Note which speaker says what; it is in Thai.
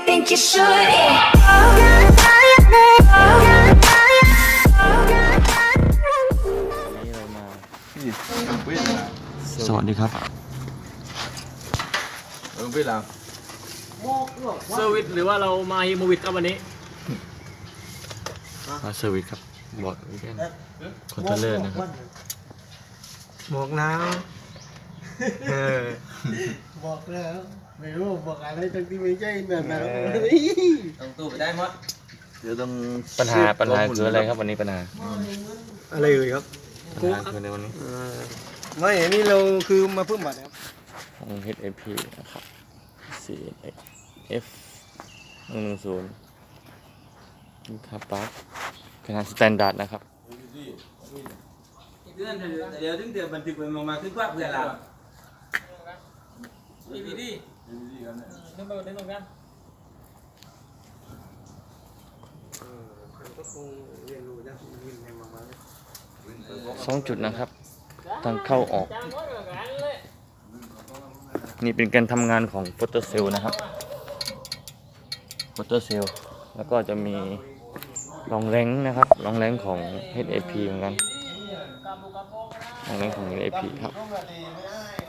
Speaker 1: think you should. Yeah.
Speaker 2: นี้เรามา
Speaker 3: นี่เว้ยนะ
Speaker 2: สวัสดีครับ
Speaker 3: เว้ยละ
Speaker 4: เซอร์วิสหรือว่าเรามาฮิโมวิดครับวันนี้
Speaker 2: มาเซอร์วิสครับบอร์ดวีแกนคอนโทรลเลอร์นะครับ
Speaker 5: หมวกหนาวบอกแล้วไม่รู้บอกอะไรทั้งที่ไม่ใช่แบบนั้น
Speaker 4: ต้องตู้ไปได้หมด
Speaker 3: เดี๋ยวต้อง
Speaker 2: ปัญหาคืออะไรครับวันนี้ปัญหา
Speaker 5: อะไรเอ่ยครับ
Speaker 2: ปัญหาคือในวันนี้
Speaker 5: ไม่อันนี้เราคือมาเพิ่มบัตรครับ
Speaker 2: ของ HAP นะครับ CF 110ครับปั๊บขนาดสแตนดาร์ดนะครับ
Speaker 4: เดี๋ยวถึงเดือนบันทึกมันมาขึ้นภาพเพื่อเราดีดีขึ้นไปได้ตรงกัน
Speaker 5: ก็คงเรียนรู้จากวินในมา
Speaker 2: 2 จุดนะครับทางเข้าออก นี่เป็นการทำงานของโฟโตเซลล์นะครับโฟโตเซลล์แล้วก็จะมีรองแรงนะครับรองแรงของ HAP เหมือนกันรองแรงของ HAP ครับ